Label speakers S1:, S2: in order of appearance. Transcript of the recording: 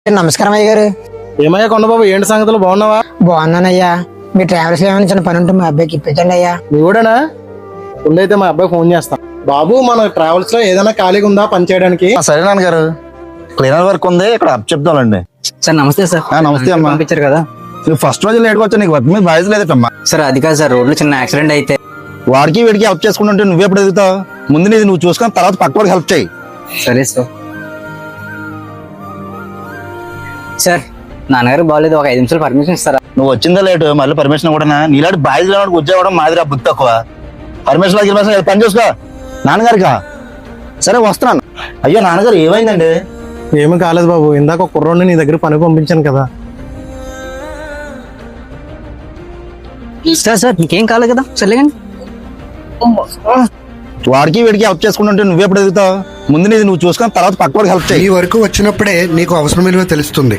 S1: నమస్కారం అయ్య గారు.
S2: ఏమయ్యా కొండబాబు, ఏంటి సంగతులు? బాగున్నావా?
S1: బాగున్నానయ్యా. మీ ట్రావెల్స్ ఏమైనా చిన్న పని ఉంటే మా అబ్బాయికి ఇప్పించండి అయ్యా.
S2: నీ కూడానా? ఉండైతే మా అబ్బాయి ఫోన్ చేస్తా. బాబు, మన ట్రావెల్స్ లో ఏదైనా ఖాళీగా ఉందా పని చేయడానికి?
S3: సరే నాన్నగారు, క్లీనర్ వర్క్ ఉంది, ఇక్కడ అప్ చెప్తానండి.
S4: సార్ నమస్తే సార్.
S3: నమస్తే అమ్మా.
S4: పంపించారు కదా
S3: నువ్వు ఫస్ట్ రోజు లేట్గా వచ్చా, నీకు వర్క్ మీద బాధ్యత లేదమ్మా.
S4: సార్. అది కాదు సార్, రోడ్లో చిన్న యాక్సిడెంట్ అయితే
S3: వాడికి వీడికి హెల్ప్ చేసుకుంటుంటే నువ్వు ఎప్పుడు ఎదుగుతావు? ముందు నీది నువ్వు చూసుకొని తర్వాత పక్క వాడికి హెల్ప్ చేయి.
S4: సరే సార్. సార్ నాన్నగారు బాగాలేదు, ఒక 5 నిమిషాలు పర్మిషన్ ఇస్తారా?
S3: నువ్వు వచ్చిందా లేటు, మళ్ళీ పర్మిషన్ కూడా నీలాంటి బాధ్యత ఉద్యోగం మాదిరి బుద్ధి తక్కువ. పర్మిషన్ పని చూసుకో. నాన్నగారికా? సరే వస్తున్నాను. అయ్యో నాన్నగారు ఏమైందండి?
S2: ఏమీ కాలేదు బాబు, ఇందాక ఒక కుర్రోడిని నీ దగ్గర పని పంపించాను కదా.
S4: సార్ సార్ మీకేం కాలేదు కదా, సర్లేకండి.
S3: వాడికి వీడికి హెల్ప్ చేసుకుంటుంటే నువ్వు ఎప్పుడు ఎదుగుతావు? ముందు నీది నువ్వు చూసుకొని తర్వాత పక్క వాడికి హెల్ప్ చేయి.
S5: ఈ వరకు వచ్చినప్పుడే నీకు అవసరం విలువ తెలుస్తుంది.